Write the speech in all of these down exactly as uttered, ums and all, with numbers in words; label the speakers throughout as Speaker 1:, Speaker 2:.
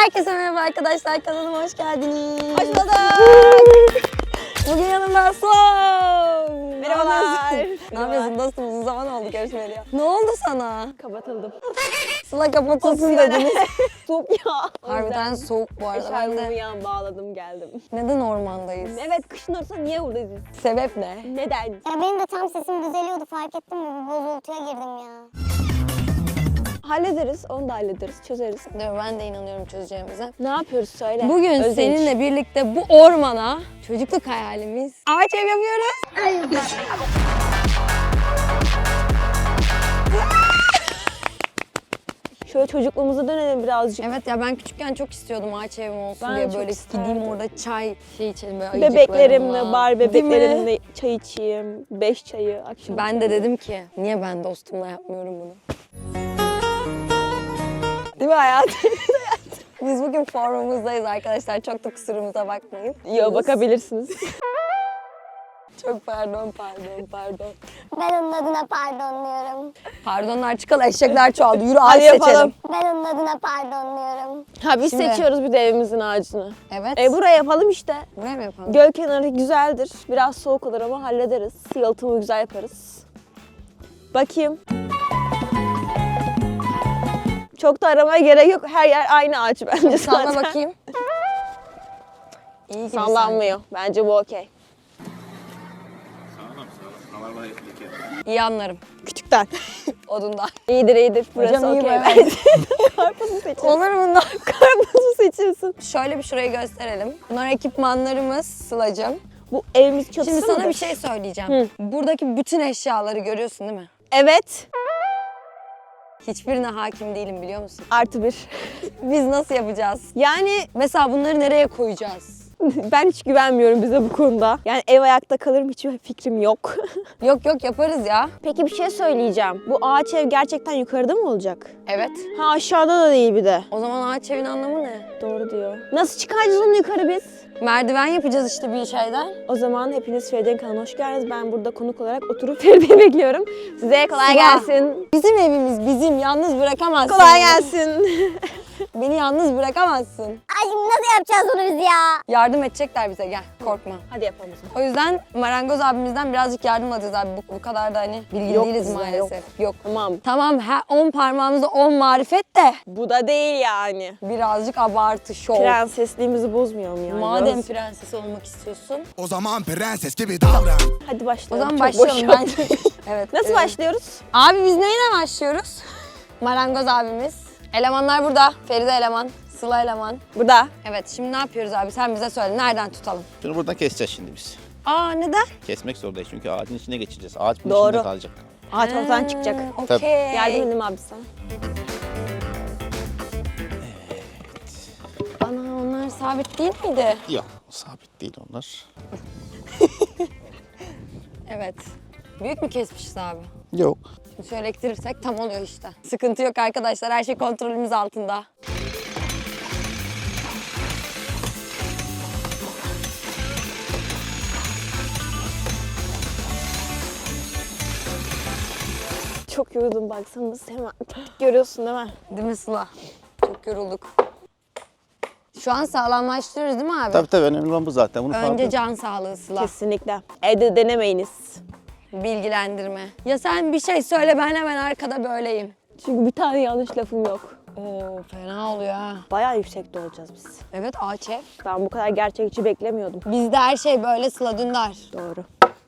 Speaker 1: Herkese merhaba arkadaşlar, kanalıma hoş geldiniz.
Speaker 2: Hoş bulduk.
Speaker 1: Bugün yanımda Sıla.
Speaker 2: Merhabalar.
Speaker 1: Ne yapıyorsun dostum? Uzun zaman oldu görüşmeyeli ya. Ne oldu sana?
Speaker 2: Kapatıldım.
Speaker 1: Sıla kapatılsın dediniz.
Speaker 2: Soğuk ya.
Speaker 1: Harbiden soğuk bu arada. Ben
Speaker 2: Eşarbımı
Speaker 1: de...
Speaker 2: yan bağladım geldim.
Speaker 1: Neden ormandayız?
Speaker 2: Evet, kışın ortasında niye buradayız?
Speaker 1: Sebep ne?
Speaker 2: Neden?
Speaker 3: Ya benim de tam sesim düzeliyordu, fark ettim mi? Bir bozultuya girdim ya.
Speaker 2: Hallederiz, onu da hallederiz, çözeriz.
Speaker 1: Değil mi? Ben de inanıyorum çözeceğimize.
Speaker 2: Ne yapıyoruz söyle.
Speaker 1: Bugün
Speaker 2: Özenç.
Speaker 1: seninle birlikte bu ormana çocukluk hayalimiz ağaç ev yapıyoruz.
Speaker 2: Şöyle çocukluğumuza dönelim birazcık.
Speaker 1: Evet ya, ben küçükken çok istiyordum ağaç evim olsun
Speaker 2: Ben
Speaker 1: diye,
Speaker 2: çok
Speaker 1: böyle
Speaker 2: isterdim.
Speaker 1: gideyim orada çay şey içelim böyle ayıcıklarımla.
Speaker 2: Bebeklerimle, bar
Speaker 1: Değil mi?
Speaker 2: bebeklerimle çay içeyim. Beş çayı akşam.
Speaker 1: Ben de dedim ki niye ben dostumla yapmıyorum bunu? Değil mi hayatım? Biz bugün formumuzdayız arkadaşlar. Çok da kusurumuza bakmayın.
Speaker 2: Yo, bakabilirsiniz.
Speaker 1: Çok pardon, pardon, pardon.
Speaker 3: Ben onun adına pardon diyorum.
Speaker 1: Pardonlar çıkalı, eşekler çoğaldı. Yürü ağaç
Speaker 2: Hadi yapalım.
Speaker 1: seçelim.
Speaker 3: Ben onun adına pardon diyorum.
Speaker 2: Ha biz
Speaker 1: Şimdi-
Speaker 2: seçiyoruz bir de evimizin ağacını.
Speaker 1: Evet.
Speaker 2: E buraya yapalım işte.
Speaker 1: Buraya mı yapalım?
Speaker 2: Göl kenarı güzeldir. Biraz soğuk olur ama hallederiz. Yalıtımı güzel yaparız. Bakayım. Çok da aramaya gerek yok. Her yer aynı ağaç bence
Speaker 1: Salla
Speaker 2: zaten.
Speaker 1: bakayım. İyi gibi
Speaker 2: Sallanmıyor. Bence bu okey.
Speaker 1: İyi anlarım.
Speaker 2: Küçükten.
Speaker 1: Odundan.
Speaker 2: İyidir iyidir. Burası
Speaker 1: Hocam iyi
Speaker 2: okey
Speaker 1: be.
Speaker 2: bence. Karpuzu seçiyorsun.
Speaker 1: Olur bundan.
Speaker 2: Karpuzu seçiyorsun.
Speaker 1: Şöyle bir şurayı gösterelim. Bunlar ekipmanlarımız Sıla'cığım.
Speaker 2: Bu evimiz çatısı
Speaker 1: Şimdi sana
Speaker 2: mıdır?
Speaker 1: bir şey söyleyeceğim.
Speaker 2: Hı.
Speaker 1: Buradaki bütün eşyaları görüyorsun değil mi?
Speaker 2: Evet.
Speaker 1: Hiçbirine hakim değilim, biliyor musun?
Speaker 2: Artı bir.
Speaker 1: Biz nasıl yapacağız?
Speaker 2: Yani
Speaker 1: Mesela bunları nereye koyacağız?
Speaker 2: ben hiç güvenmiyorum bize bu konuda. Yani ev ayakta kalır mı hiçbir fikrim yok.
Speaker 1: Yok yok, yaparız ya.
Speaker 2: Peki bir şey söyleyeceğim. Bu ağaç ev gerçekten yukarıda mı olacak?
Speaker 1: Evet.
Speaker 2: Ha aşağıda da değil bir de.
Speaker 1: O zaman ağaç evin anlamı ne?
Speaker 2: Doğru diyor. Nasıl çıkaracağız onu yukarı biz?
Speaker 1: Merdiven yapacağız işte bir şeyden.
Speaker 2: O zaman hepiniz Feride'nin kanalına hoş geldiniz. Ben burada konuk olarak oturup Feride'yi bekliyorum. Size kolay
Speaker 1: Sıla.
Speaker 2: gelsin.
Speaker 1: Bizim evimiz bizim. Yalnız bırakamazsın.
Speaker 2: Kolay gelsin.
Speaker 1: Beni yalnız bırakamazsın.
Speaker 3: Ay şimdi nasıl yapacağız onu biz ya?
Speaker 1: Yardım edecekler bize, gel. Korkma.
Speaker 2: Hadi yapalım o zaman.
Speaker 1: O yüzden marangoz abimizden birazcık yardım alacağız abi. Bu, bu kadar da hani bilgili
Speaker 2: Yok
Speaker 1: değiliz
Speaker 2: bizde,
Speaker 1: maalesef. Yok.
Speaker 2: Tamam.
Speaker 1: Tamam, her on parmağımızda on marifet de
Speaker 2: Bu da değil yani.
Speaker 1: birazcık abartı, şov.
Speaker 2: Prensesliğimizi bozmayalım yani.
Speaker 1: Madem
Speaker 2: Biraz-
Speaker 1: prenses olmak istiyorsun.
Speaker 4: O zaman prenses gibi davran.
Speaker 2: Hadi
Speaker 1: O
Speaker 2: başlayalım.
Speaker 1: zaman
Speaker 2: Çok boş
Speaker 1: başlayalım
Speaker 2: yaptık.
Speaker 1: bence. Evet.
Speaker 2: Nasıl
Speaker 1: evet.
Speaker 2: başlıyoruz?
Speaker 1: Abi biz neyle başlıyoruz? Marangoz abimiz. Elemanlar burada. Feride eleman, Sıla eleman.
Speaker 2: Burada.
Speaker 1: Evet, şimdi ne yapıyoruz abi? Sen bize söyle. Nereden tutalım?
Speaker 5: Şunu buradan keseceğiz şimdi biz.
Speaker 1: Aa, neden?
Speaker 5: Kesmek zorundayız çünkü ağacın içine geçeceğiz. Ağaç bunun
Speaker 2: Doğru.
Speaker 5: içinde kalacak.
Speaker 2: Ağaç ortadan çıkacak.
Speaker 1: Okey.
Speaker 5: Tabii.
Speaker 2: Yardım edeyim abi sana.
Speaker 1: Ana, onlar sabit değil miydi?
Speaker 5: Yok, sabit değil onlar.
Speaker 1: Evet. Büyük mü kesmişiz abi?
Speaker 5: Yok.
Speaker 1: Şimdi şöyle ektirirsek tam oluyor işte. Sıkıntı yok arkadaşlar. Her şey kontrolümüz altında.
Speaker 2: Çok yoruldum baksana hemen. Görüyorsun değil mi?
Speaker 1: Değil mi Sıla? Çok yorulduk. Şu an sağlamlaştırıyoruz değil mi abi?
Speaker 5: Tabii tabii önemli olan bu zaten. Bunu
Speaker 1: Önce
Speaker 5: farklı-
Speaker 1: can sağlığı Sıla.
Speaker 2: Kesinlikle. Evde denemeyiniz.
Speaker 1: Bilgilendirme. Ya sen bir şey söyle, ben hemen arkada böyleyim.
Speaker 2: Çünkü bir tane yanlış lafım yok.
Speaker 1: Oo, fena oluyor ha.
Speaker 2: Bayağı yüksekte olacağız biz.
Speaker 1: Evet, ağaç ev.
Speaker 2: Ben bu kadar gerçekçi beklemiyordum.
Speaker 1: Bizde her şey böyle Sıla Dündar.
Speaker 2: Doğru.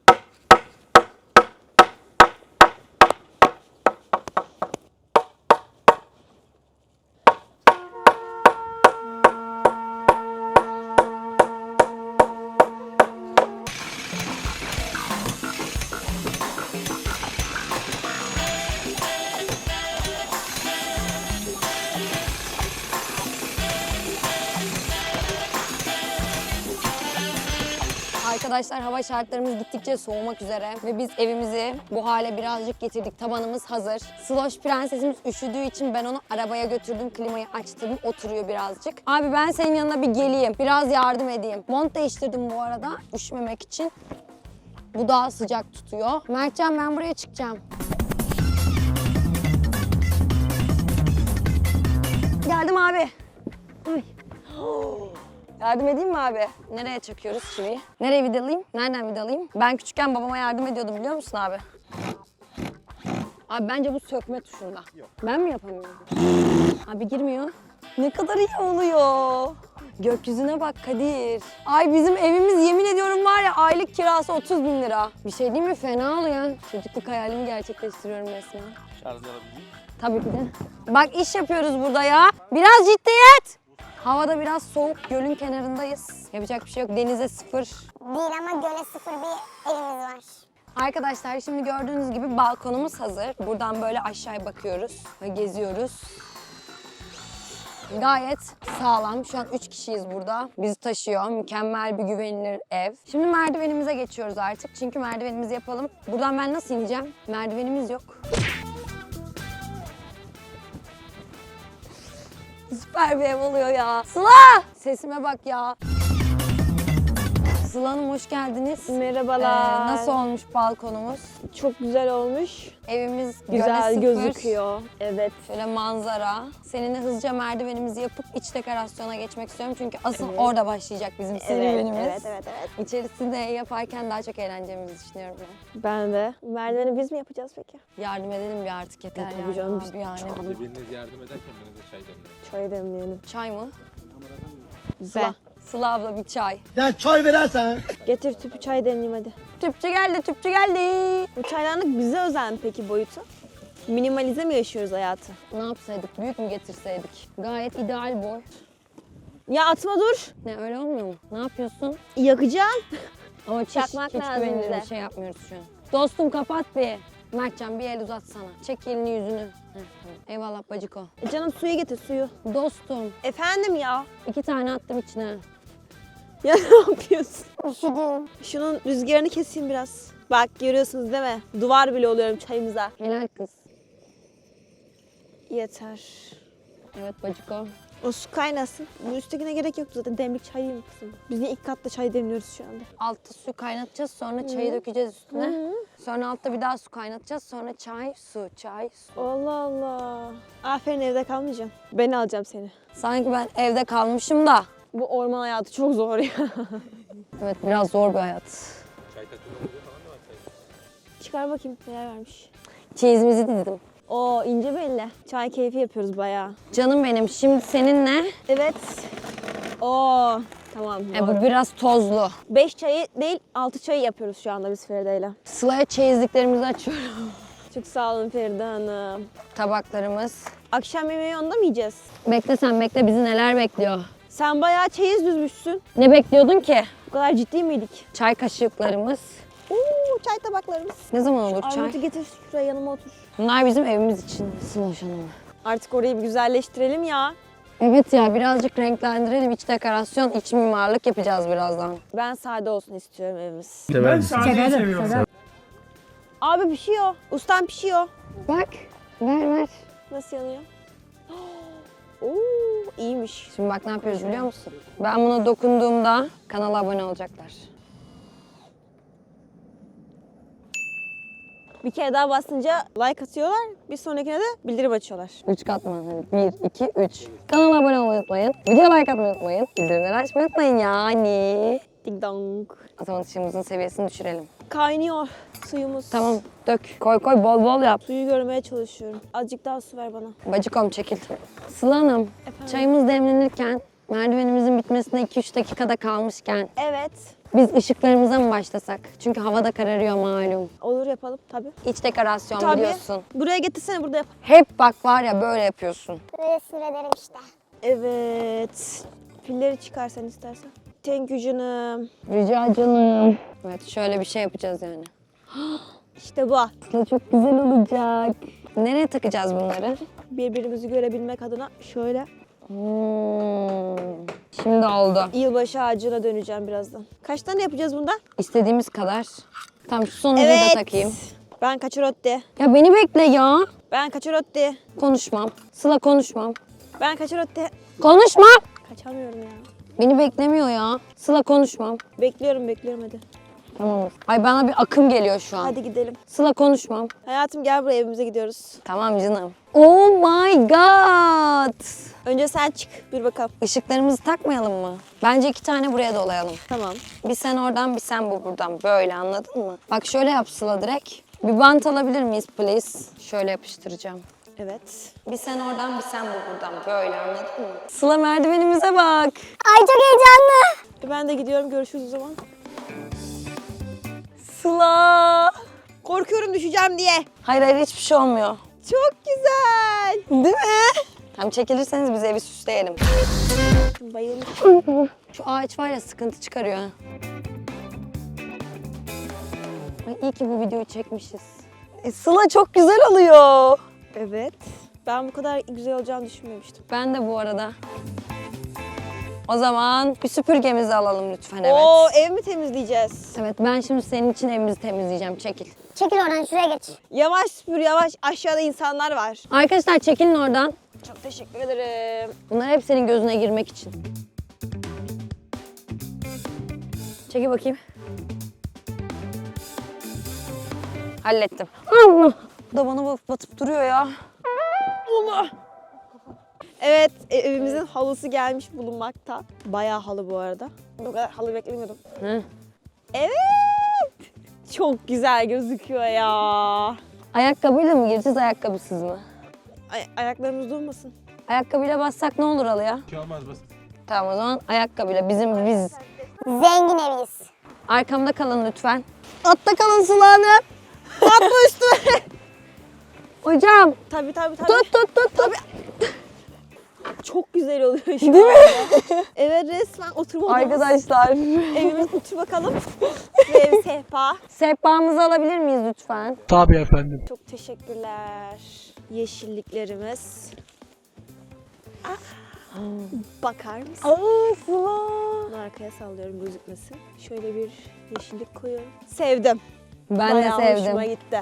Speaker 1: Arkadaşlar, hava şartlarımız gittikçe soğumak üzere ve biz evimizi bu hale birazcık getirdik. Tabanımız hazır. Sloş prensesimiz üşüdüğü için ben onu arabaya götürdüm, klimayı açtım, oturuyor birazcık. Abi ben senin yanına bir geleyim, biraz yardım edeyim. Mont değiştirdim bu arada üşümemek için. Bu daha sıcak tutuyor. Mertcan, ben buraya çıkacağım. Geldim abi. Ay. Yardım edeyim mi abi? Nereye çakıyoruz çiviyi? Nereye vidalayayım? Nereden vidalayayım? Ben küçükken babama yardım ediyordum biliyor musun abi? Abi bence bu sökme tuşunda. Yok. Ben mi yapamıyorum? Abi girmiyor. Ne kadar iyi oluyor. Gökyüzüne bak Kadir. Ay bizim evimiz yemin ediyorum var ya aylık kirası otuz bin lira. Bir şey değil mi? Fena oluyor. Çocukluk hayalimi gerçekleştiriyorum resmen.
Speaker 5: Şarj alabildim.
Speaker 1: Tabii ki de. Bak iş yapıyoruz burada ya. Biraz ciddiyet. Havada biraz soğuk. Gölün kenarındayız. Yapacak bir şey yok. Denize sıfır.
Speaker 3: Değil ama göle sıfır bir evimiz var.
Speaker 1: Arkadaşlar şimdi gördüğünüz gibi balkonumuz hazır. Buradan böyle aşağıya bakıyoruz ve geziyoruz. Gayet sağlam. Şu an üç kişiyiz burada. Bizi taşıyor. Mükemmel bir güvenilir ev. Şimdi merdivenimize geçiyoruz artık. Çünkü merdivenimizi yapalım. Buradan ben nasıl ineceğim? Merdivenimiz yok. Süper bir ev oluyor ya. Sıla! Sesime bak ya. Sıla Hanım hoş geldiniz.
Speaker 2: Merhabalar.
Speaker 1: Ee, nasıl olmuş balkonumuz?
Speaker 2: Çok güzel olmuş.
Speaker 1: Evimiz
Speaker 2: Güzel
Speaker 1: göle sıfır.
Speaker 2: gözüküyor. Evet.
Speaker 1: Şöyle manzara. Seninle hızlıca merdivenimizi yapıp iç dekorasyona geçmek istiyorum. Çünkü asıl
Speaker 2: Evet.
Speaker 1: orada başlayacak bizim serüvenimiz.
Speaker 2: Evet, evet, evet.
Speaker 1: İçerisinde yaparken daha çok eğleneceğimizi düşünüyorum ben.
Speaker 2: Ben de. Merdiveni biz mi yapacağız peki?
Speaker 1: Yardım edelim bir artık yeter
Speaker 2: E, tabii
Speaker 1: yani.
Speaker 2: canım,
Speaker 1: Abi yani.
Speaker 6: Hadi biriniz yardım ederken ben de çay demlerim.
Speaker 2: Çay demleyelim.
Speaker 1: Çay mı?
Speaker 2: Güzel.
Speaker 1: Sıla abla bir çay.
Speaker 4: Ya çay verersen.
Speaker 2: Getir tüpü çay demleyeyim hadi.
Speaker 1: Tüpçü geldi, tüpçü geldi.
Speaker 2: Bu çaydanlık bize özel mi peki boyutu? Minimalize mi yaşıyoruz hayatı?
Speaker 1: Ne yapsaydık? Büyük mü getirseydik? Gayet ideal boy.
Speaker 2: Ya atma dur.
Speaker 1: Ne öyle olmuyor mu? Ne yapıyorsun?
Speaker 2: Yakacağım.
Speaker 1: Ama hiç,
Speaker 2: Çakmak
Speaker 1: hiç
Speaker 2: lazım
Speaker 1: güvenilir
Speaker 2: bize.
Speaker 1: bir şey yapmıyoruz şu an. Dostum kapat bir. Mertcan bir el uzatsana. Çek elini yüzünü. Heh, tamam. Eyvallah bacıko.
Speaker 2: E canım suyu getir suyu.
Speaker 1: Dostum
Speaker 2: Efendim ya.
Speaker 1: iki tane attım içine.
Speaker 2: Ya ne yapıyorsun?
Speaker 3: Üşüdüm.
Speaker 2: Şunun rüzgarını keseyim biraz. Bak görüyorsunuz değil mi? Duvar bile oluyorum çayımıza.
Speaker 1: Helal kız.
Speaker 2: Yeter.
Speaker 1: Evet bacıko.
Speaker 2: O su kaynasın. Bu üsttekine gerek yoktu zaten. Demlik çay değil mi kızım? Biz niye ilk katta çay demliyoruz şu anda?
Speaker 1: Altta su kaynatacağız sonra çayı dökeceğiz üstüne. Sonra altta bir daha su kaynatacağız sonra çay, su, çay, su.
Speaker 2: Allah Allah. Aferin evde kalmayacağım. Ben alacağım seni.
Speaker 1: Sanki ben evde kalmışım da.
Speaker 2: Bu orman hayatı çok zor ya.
Speaker 1: Evet biraz zor bir hayat.
Speaker 6: Çay takımlarında falan da var çay.
Speaker 2: Çıkar bakayım neler vermiş.
Speaker 1: Çeyizimizi dizdim.
Speaker 2: Oo ince belli. Çay keyfi yapıyoruz bayağı.
Speaker 1: Canım benim şimdi seninle
Speaker 2: Evet. Oo tamam.
Speaker 1: e, bu biraz tozlu.
Speaker 2: Beş çayı değil altı çayı yapıyoruz şu anda biz Feride'yle.
Speaker 1: Sıla'ya çeyizliklerimizi açıyorum.
Speaker 2: Çok sağ olun Feride Hanım.
Speaker 1: Tabaklarımız.
Speaker 2: Akşam yemeği onda mı yiyeceğiz?
Speaker 1: Bekle sen bekle bizi neler bekliyor.
Speaker 2: Sen bayağı çeyiz düzmüşsün.
Speaker 1: Ne bekliyordun ki?
Speaker 2: Bu kadar ciddi miydik?
Speaker 1: Çay kaşıklarımız.
Speaker 2: Oo çay tabaklarımız.
Speaker 1: Ne zaman olur
Speaker 2: Armut'u
Speaker 1: çay?
Speaker 2: getir şuraya yanıma otur.
Speaker 1: Bunlar bizim evimiz için Sıloş Hanım.
Speaker 2: Artık orayı bir güzelleştirelim ya.
Speaker 1: Evet ya birazcık renklendirelim. İç dekorasyon, iç mimarlık yapacağız birazdan.
Speaker 2: Ben sade olsun istiyorum evimiz.
Speaker 6: Ben sadeyi seviyorum.
Speaker 2: Abi pişiyor. Ustam pişiyor.
Speaker 1: Bak ver ver.
Speaker 2: Nasıl yanıyor? Oo iyiymiş.
Speaker 1: Şimdi bak ne yapıyoruz biliyor musun? Ben buna dokunduğumda kanala abone olacaklar.
Speaker 2: Bir kere daha basınca like atıyorlar. Bir sonrakine de bildirim açıyorlar.
Speaker 1: Üç katman. Hani bir, iki, üç. Kanala abone olmayı unutmayın. Video like atmayı unutmayın. Bildirimleri açmayı unutmayın yani.
Speaker 2: Ding dong.
Speaker 1: O zaman ışığımızın seviyesini düşürelim.
Speaker 2: Kaynıyor suyumuz.
Speaker 1: Tamam dök. Koy koy bol bol yap.
Speaker 2: Suyu görmeye çalışıyorum. Azıcık daha su ver bana.
Speaker 1: Bacıkom çekil. Sıla Hanım,
Speaker 2: Efendim?
Speaker 1: çayımız demlenirken, merdivenimizin bitmesine iki üç dakikada kalmışken
Speaker 2: Evet.
Speaker 1: biz ışıklarımıza mı başlasak? Çünkü hava da kararıyor malum.
Speaker 2: Olur yapalım tabii.
Speaker 1: İç dekorasyon
Speaker 2: Tabii.
Speaker 1: biliyorsun.
Speaker 2: Buraya getirsene burada yap.
Speaker 1: Hep bak var ya böyle yapıyorsun.
Speaker 3: Böyle sinir ederim işte.
Speaker 2: Evet. Pilleri çıkar sen istersen. Thank you canım.
Speaker 1: Rica canım. Evet şöyle bir şey yapacağız yani.
Speaker 2: İşte bu.
Speaker 1: Aslında çok güzel olacak. Nereye takacağız bunları?
Speaker 2: Birbirimizi görebilmek adına şöyle.
Speaker 1: Hmm. Şimdi oldu.
Speaker 2: Yılbaşı ağacına döneceğim birazdan. Kaç tane yapacağız bundan?
Speaker 1: İstediğimiz kadar. Tamam şu sonuncuyu da takayım.
Speaker 2: Ben kaçırotti.
Speaker 1: Ya beni bekle ya.
Speaker 2: Ben kaçırotti.
Speaker 1: Konuşmam. Sıla konuşmam.
Speaker 2: Ben kaçırotti.
Speaker 1: Konuşma.
Speaker 2: Kaçamıyorum ya.
Speaker 1: Beni beklemiyor ya. Sıla konuşmam.
Speaker 2: Bekliyorum bekliyorum hadi.
Speaker 1: Tamam. Ay bana bir akım geliyor şu an.
Speaker 2: Hadi gidelim.
Speaker 1: Sıla konuşmam.
Speaker 2: Hayatım gel buraya evimize gidiyoruz.
Speaker 1: Tamam canım. Oh my god.
Speaker 2: Önce sen çık bir bakalım.
Speaker 1: Işıklarımızı takmayalım mı? Bence iki tane buraya dolayalım.
Speaker 2: Tamam.
Speaker 1: Bir sen oradan bir sen bu buradan. Böyle anladın mı? Bak şöyle yap Sıla direkt. Bir bant alabilir miyiz please? Şöyle yapıştıracağım.
Speaker 2: Evet.
Speaker 1: Bir sen oradan bir sen bu buradan. Böyle anladın mı? Sıla merdivenimize bak.
Speaker 3: Ay çok heyecanlı.
Speaker 2: E ben de gidiyorum. Görüşürüz o zaman.
Speaker 1: Sıla.
Speaker 2: Korkuyorum düşeceğim diye.
Speaker 1: Hayır hayır hiçbir şey olmuyor.
Speaker 2: Çok güzel.
Speaker 1: Değil mi? Hem çekilirseniz biz evi süsleyelim.
Speaker 2: Bayıldım.
Speaker 1: Şu ağaç var ya sıkıntı çıkarıyor. ha. Ay iyi ki bu videoyu çekmişiz. E, Sıla çok güzel oluyor.
Speaker 2: Evet. Ben bu kadar güzel olacağını düşünmemiştim.
Speaker 1: Ben de bu arada. O zaman bir süpürgemizi alalım lütfen evet.
Speaker 2: Oo, ev mi temizleyeceğiz?
Speaker 1: Evet ben şimdi senin için evimizi temizleyeceğim. Çekil.
Speaker 3: Çekil oradan şuraya geç.
Speaker 2: Yavaş süpür yavaş. Aşağıda insanlar var.
Speaker 1: Arkadaşlar çekilin oradan.
Speaker 2: Çok teşekkür ederim.
Speaker 1: Bunlar hep senin gözüne girmek için. Çekil bakayım. Hallettim. Allah! Bu da bana bat- batıp duruyor ya.
Speaker 2: Allah. Evet, e- evimizin halısı gelmiş bulunmakta. Bayağı halı bu arada. Bu kadar halı beklemiyordum.
Speaker 1: Hı.
Speaker 2: Evet. Çok güzel gözüküyor ya.
Speaker 1: Ayakkabıyla mı gireceğiz, ayakkabısız mı?
Speaker 2: Ay- ayaklarımız durmasın.
Speaker 1: Ayakkabıyla bassak ne olur Alıya?
Speaker 6: Bir şey olmaz basit.
Speaker 1: Tamam o zaman ayakkabıyla bizim biz.
Speaker 3: Zengin eviyiz.
Speaker 1: Arkamda kalın lütfen. Atta kalın Sıla Hanım.
Speaker 2: Atma üstüme.
Speaker 1: Hocam.
Speaker 2: Tabii tabii tabii.
Speaker 1: Tut tut tut tut.
Speaker 2: Çok güzel oluyor şu
Speaker 1: Değil mi?
Speaker 2: anda. Evet resmen oturma odamız.
Speaker 1: Arkadaşlar.
Speaker 2: Evimiz otur bakalım. Ve ev sehpa.
Speaker 1: Sehpamızı alabilir miyiz lütfen?
Speaker 2: Çok teşekkürler. Yeşilliklerimiz. Ah, bakar mısın?
Speaker 1: Aa Sıla.
Speaker 2: Bunu arkaya sallıyorum gözükmesin. Şöyle bir yeşillik koyuyorum. Sevdim.
Speaker 1: Ben
Speaker 2: Bayağı
Speaker 1: de
Speaker 2: hoşuma
Speaker 1: sevdim.
Speaker 2: gitti.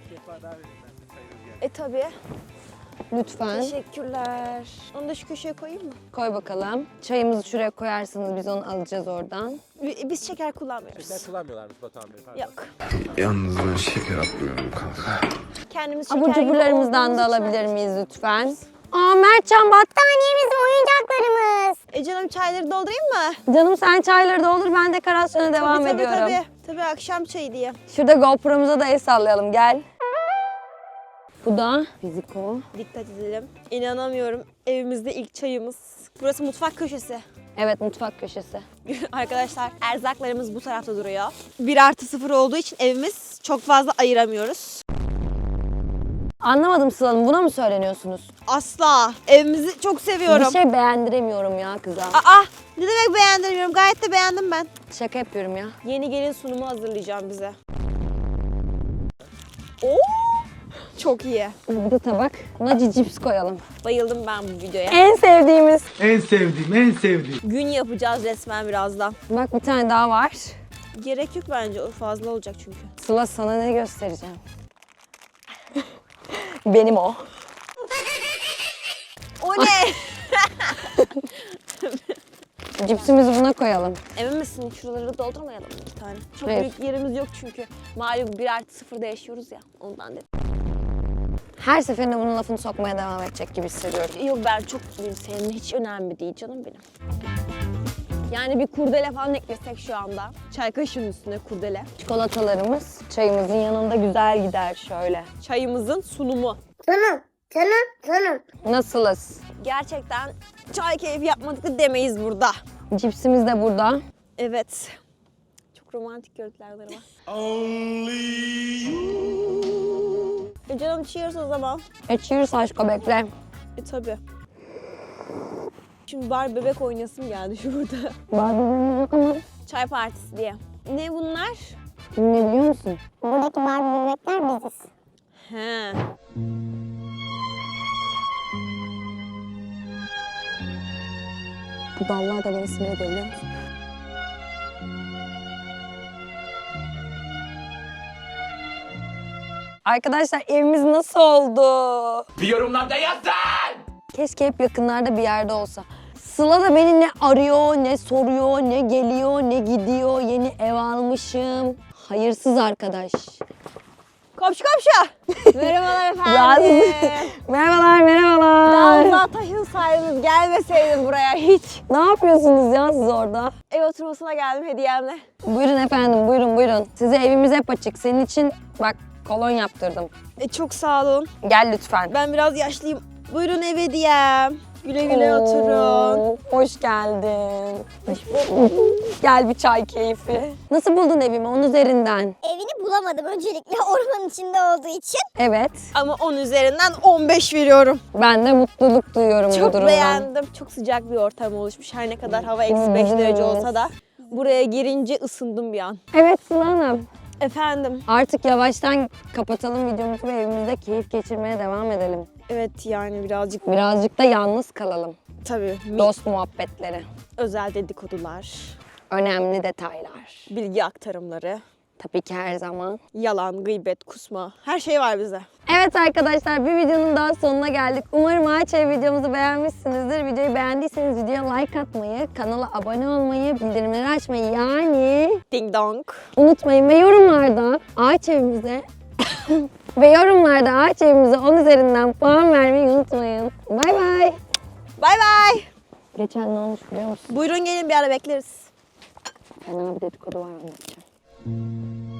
Speaker 2: E tabii.
Speaker 1: Lütfen.
Speaker 2: Teşekkürler. Onu da şu köşeye koyayım mı?
Speaker 1: Koy bakalım. Çayımızı şuraya koyarsınız biz onu alacağız oradan.
Speaker 2: Bi- Biz şeker kullanmıyoruz.
Speaker 6: Şeker kullanmıyorlarmış Batuhan Bey. Pardon.
Speaker 2: Yok.
Speaker 7: Yalnız ben şeker atmıyorum kanka.
Speaker 2: Kendimiz şeker
Speaker 1: Abur
Speaker 2: gibi
Speaker 1: cuburlarımızdan
Speaker 2: olduğumuz
Speaker 1: da
Speaker 2: için-
Speaker 1: alabilir miyiz lütfen? Aa Mertcan bak.
Speaker 3: Saniyemiz oyuncaklarımız.
Speaker 2: E canım çayları doldurayım mı?
Speaker 1: Canım sen çayları doldur ben dekorasyona devam
Speaker 2: tabii,
Speaker 1: ediyorum.
Speaker 2: Tabii tabii. Tabii akşam çayı diye.
Speaker 1: Şurada GoPro'muza da el sallayalım gel. Bu da fiziko.
Speaker 2: Dikkat edelim. İnanamıyorum. Evimizde ilk çayımız. Burası mutfak köşesi.
Speaker 1: Evet mutfak köşesi.
Speaker 2: Arkadaşlar erzaklarımız bu tarafta duruyor. bir artı sıfır olduğu için evimiz çok fazla ayıramıyoruz.
Speaker 1: Anlamadım Sıla Hanım buna mı söyleniyorsunuz?
Speaker 2: Asla. Evimizi çok seviyorum.
Speaker 1: Bir şey beğendiremiyorum ya kıza.
Speaker 2: Aa, ne demek beğendirmiyorum? Gayet de beğendim ben.
Speaker 1: Şaka yapıyorum ya.
Speaker 2: Yeni gelin sunumu hazırlayacağım bize. Oo! Çok iyi.
Speaker 1: Bir de tabak. Buna cips koyalım.
Speaker 2: Bayıldım ben bu videoya.
Speaker 1: En sevdiğimiz.
Speaker 8: En sevdiğim, en sevdiğim.
Speaker 2: Gün yapacağız resmen birazdan.
Speaker 1: Bak bir tane daha var.
Speaker 2: Gerek yok bence. O fazla olacak çünkü.
Speaker 1: Sıla sana ne göstereceğim? Benim o.
Speaker 2: O ne?
Speaker 1: Cipsimizi buna koyalım.
Speaker 2: Emin misin? Şuraları doldurmayalım mı iki tane? Çok
Speaker 1: Hayır.
Speaker 2: büyük yerimiz yok çünkü. Malum bir artı sıfırda yaşıyoruz ya. Ondan dedim.
Speaker 1: Her seferinde bunun lafını sokmaya devam edecek gibi hissediyorum.
Speaker 2: Yok ben çok mutluyum. Senin hiç önemli değil canım benim. Yani bir kurdele falan eklesek şu anda. Çay kaşığının üstüne kurdele.
Speaker 1: Çikolatalarımız çayımızın yanında güzel gider şöyle.
Speaker 2: Çayımızın sunumu.
Speaker 3: Canım, canım, canım.
Speaker 1: Nasılız?
Speaker 2: Gerçekten çay keyfi yapmadık da demeyiz burada.
Speaker 1: Cipsimiz de burada.
Speaker 2: Evet. Çok romantik görüntüler var. E canım cheers o zaman.
Speaker 1: E cheers aşko bekle.
Speaker 2: E tabi. Şimdi bari bebek oynasım geldi şurada.
Speaker 1: Barbie'miz yok ama
Speaker 2: Çay partisi diye. Ne bunlar?
Speaker 1: ne biliyor musun?
Speaker 3: Buradaki Barbie bebekler biziz.
Speaker 2: He.
Speaker 1: Bu dallar da beni sinir ediyor biliyor musun? Arkadaşlar evimiz nasıl oldu?
Speaker 6: Bir yorumlarda yazın.
Speaker 1: Keşke hep yakınlarda bir yerde olsa. Sıla da beni ne arıyor, ne soruyor, ne geliyor, ne gidiyor. Yeni ev almışım. Hayırsız arkadaş.
Speaker 2: Komşu komşu. Merhabalar efendim.
Speaker 1: Merhabalar, merhabalar.
Speaker 2: Daha taşın sahibiniz gelmeseydin buraya hiç.
Speaker 1: Ne yapıyorsunuz ya siz orada?
Speaker 2: Ev oturmasına geldim hediyemle.
Speaker 1: Buyurun efendim, buyurun buyurun. Size evimiz hep açık. Senin için bak kolon yaptırdım.
Speaker 2: E, çok sağ olun.
Speaker 1: Gel lütfen.
Speaker 2: Ben biraz yaşlıyım. Buyurun ev hediyem. Güle güle oturun.
Speaker 1: Oo, hoş geldin. Gel bir çay keyfi. Nasıl buldun evimi onun üzerinden?
Speaker 3: Evini bulamadım öncelikle ormanın içinde olduğu için.
Speaker 1: Evet.
Speaker 2: Ama on üzerinden on beş veriyorum.
Speaker 1: Ben de mutluluk duyuyorum bu
Speaker 2: Çok
Speaker 1: durumdan.
Speaker 2: beğendim. Çok sıcak bir ortam oluşmuş. Her ne kadar hava eksi beş derece olsa da buraya girince ısındım bir an.
Speaker 1: Evet Sıla Hanım.
Speaker 2: Efendim.
Speaker 1: Artık yavaştan kapatalım videomuzu ve evimizde keyif geçirmeye devam edelim.
Speaker 2: Evet yani birazcık
Speaker 1: Birazcık da yalnız kalalım.
Speaker 2: tabii mi-
Speaker 1: Dost muhabbetleri,
Speaker 2: özel dedikodular,
Speaker 1: önemli detaylar.
Speaker 2: bilgi aktarımları,
Speaker 1: Tabii ki her zaman.
Speaker 2: yalan, gıybet, kusma her şey var bize.
Speaker 1: Evet arkadaşlar bir videonun daha sonuna geldik. Umarım Ağaç Ev videomuzu beğenmişsinizdir. Videoyu beğendiyseniz videoya like atmayı, kanala abone olmayı, bildirimleri açmayı yani
Speaker 2: Ding dong.
Speaker 1: unutmayın. Ve yorumlarda Ağaç Evimize ve yorumlarda Ağaç Evimize on üzerinden puan vermeyi unutmayın. Bay bay.
Speaker 2: Bay bay.
Speaker 1: Geçen ne olmuş biliyor musun?
Speaker 2: Buyurun gelin bir ara bekleriz.
Speaker 1: Fena bir dedikodu var anlatacağım.